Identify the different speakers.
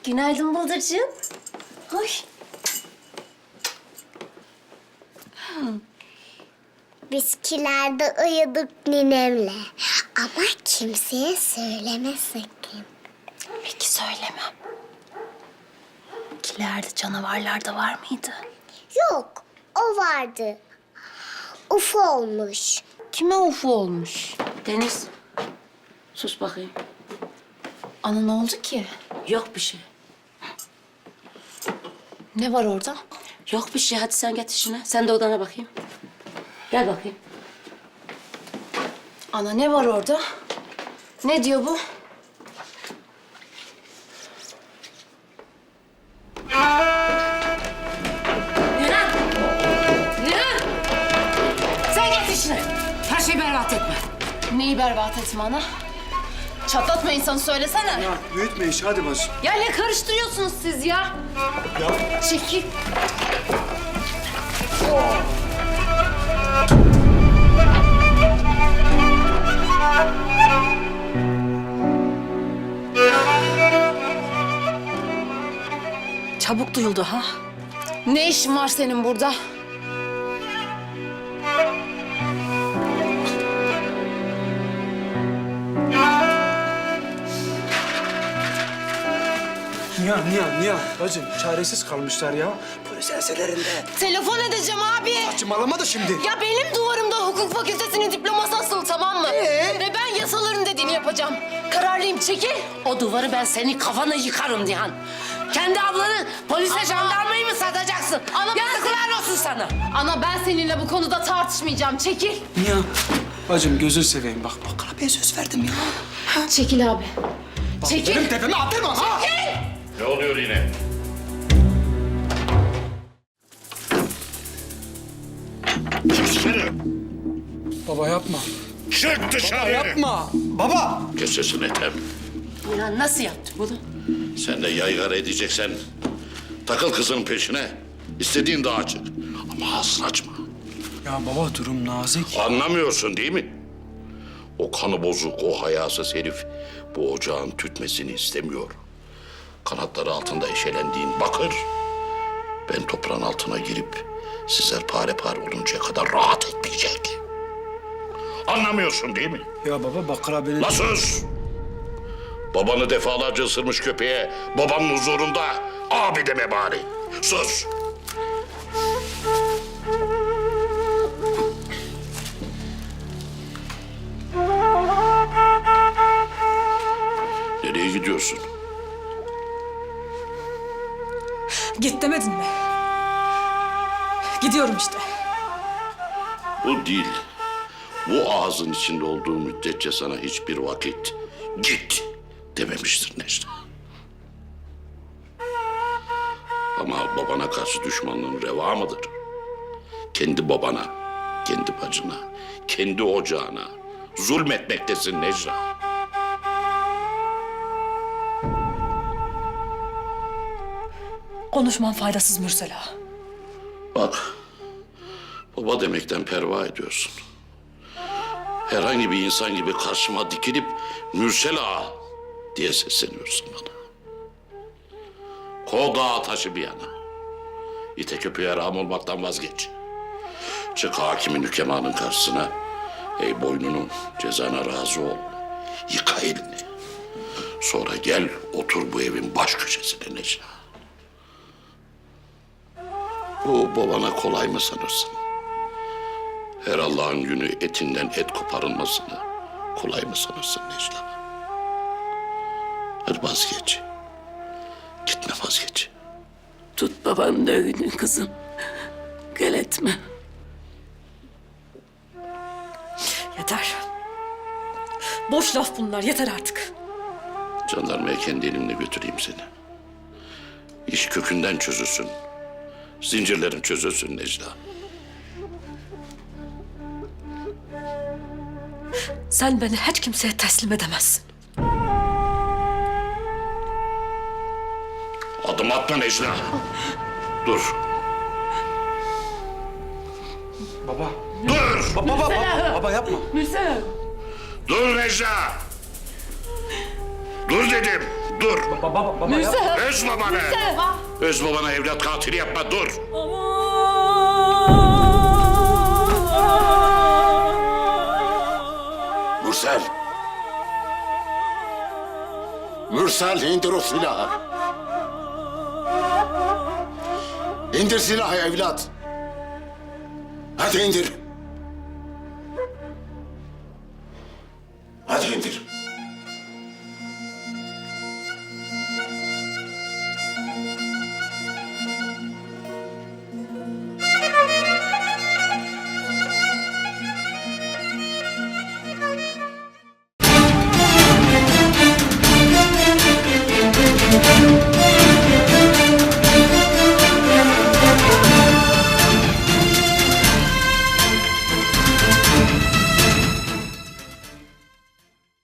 Speaker 1: Günaydın Bıldırcığım. Hoy.
Speaker 2: Biz kilerde uyuduk ninemle. Ama kimseye söyleme sakın.
Speaker 1: Peki söylemem. Kilerde canavarlar da var mıydı?
Speaker 2: Yok, o vardı. UFO olmuş.
Speaker 1: Kime ufu olmuş?
Speaker 3: Deniz, sus bakayım.
Speaker 1: Ana ne oldu ki?
Speaker 3: Yok bir şey.
Speaker 1: Ne var orada?
Speaker 3: Yok bir şey. Hadi sen git işine. Sen de odana bakayım. Gel bakayım.
Speaker 1: Ana ne var orada? Ne diyor bu?
Speaker 3: Nihan! Nihan! Sen git işine. Her şeyi berbat etme.
Speaker 1: Neyi berbat etme ana? Çatlatma insanı söylesene.
Speaker 4: Ya büyütme iş, hadi bacım.
Speaker 1: Ya ne karıştırıyorsunuz siz ya?
Speaker 4: Ya
Speaker 1: Çekil. Çabuk duyuldu ha. Ne işin var senin burada?
Speaker 4: Nihan. Bacım çaresiz kalmışlar ya. Polis enselerinde.
Speaker 1: Telefon edeceğim abi.
Speaker 4: Saçmalama da şimdi.
Speaker 1: Ya benim duvarımda hukuk fakültesinin diploması asılı, tamam mı? Ve ben yasaların dediğini yapacağım. Kararlıyım, çekil.
Speaker 3: O duvarı ben senin kafanı yıkarım Nihan. Kendi ablanı polise, jandarmayı mı satacaksın?
Speaker 1: Ana, ben
Speaker 3: Yazıklar olsun sana.
Speaker 1: Ana ben seninle bu konuda tartışmayacağım, çekil.
Speaker 4: Nihan. Bacım gözünü seveyim bak. Bak abiye söz verdim ya.
Speaker 1: Çekil abi. Çekil.
Speaker 4: Benim tepeme attırma ha.
Speaker 5: Ne oluyor yine? Çıksana.
Speaker 4: Baba yapma.
Speaker 5: Çık dışarı.
Speaker 4: Yapma. Baba.
Speaker 5: Kes sesini Ethem.
Speaker 3: Nihan nasıl yaptı bunu?
Speaker 5: Sen de yaygara edeceksen takıl kızın peşine. İstediğin dağa çık. Ama ağzını açma.
Speaker 4: Ya baba durum nazik.
Speaker 5: Anlamıyorsun değil mi? O kanı bozuk, o hayasız herif bu ocağın tütmesini istemiyor. Kanatları altında eşelendiğin bakır. Ben toprağın altına girip sizler pare pare oluncaya kadar rahat etmeyecek. Anlamıyorsun değil mi?
Speaker 4: Ya baba Bakır abinin...
Speaker 5: La sus! Babanı defalarca ısırmış köpeğe babanın huzurunda abi deme bari. Sus! Nereye gidiyorsun?
Speaker 6: Git demedin mi? Gidiyorum işte.
Speaker 5: Bu değil. Bu ağzın içinde olduğu müddetçe sana hiçbir vakit git dememiştir Necla. Ama babana karşı düşmanlığın reva mıdır? Kendi babana, kendi bacına, kendi ocağına zulmetmektesin Necla.
Speaker 6: Konuşman faydasız Mürsel ağa.
Speaker 5: Bak, baba demekten perva ediyorsun. Herhangi bir insan gibi karşıma dikilip Mürsel ağa diye sesleniyorsun bana. Kov dağı taşı bir yana. İte köpeğe rağm olmaktan vazgeç. Çık hakimin hükemanın karşısına. Ey boynunun cezana razı ol. Yıka elini. Sonra gel otur bu evin baş köşesine Necla. Bu babana kolay mı sanırsın? Her Allah'ın günü etinden et koparılmasını kolay mı sanırsın Necla? Hadi vazgeç. Gitme vazgeç.
Speaker 3: Tut babanın öğünü kızım. Gel etme.
Speaker 6: Yeter. Boş laf bunlar, yeter artık.
Speaker 5: Jandarmaya kendi elimle götüreyim seni. İş kökünden çözülsün. Zincirlerin çözülsün Necla.
Speaker 6: Sen beni hiç kimseye teslim edemezsin.
Speaker 5: Adım atma Necla. Dur.
Speaker 4: Baba.
Speaker 5: Dur.
Speaker 4: Baba yapma.
Speaker 3: Mürsel.
Speaker 5: Dur Necla. Dur dedim. Dur.
Speaker 4: Baba ya.
Speaker 5: Öz babanı. Öz babana evlat katili yapma, dur.
Speaker 7: Mürsel. Mürsel, indir o silahı. İndir silahı evlat. Hadi indir. Hadi indir.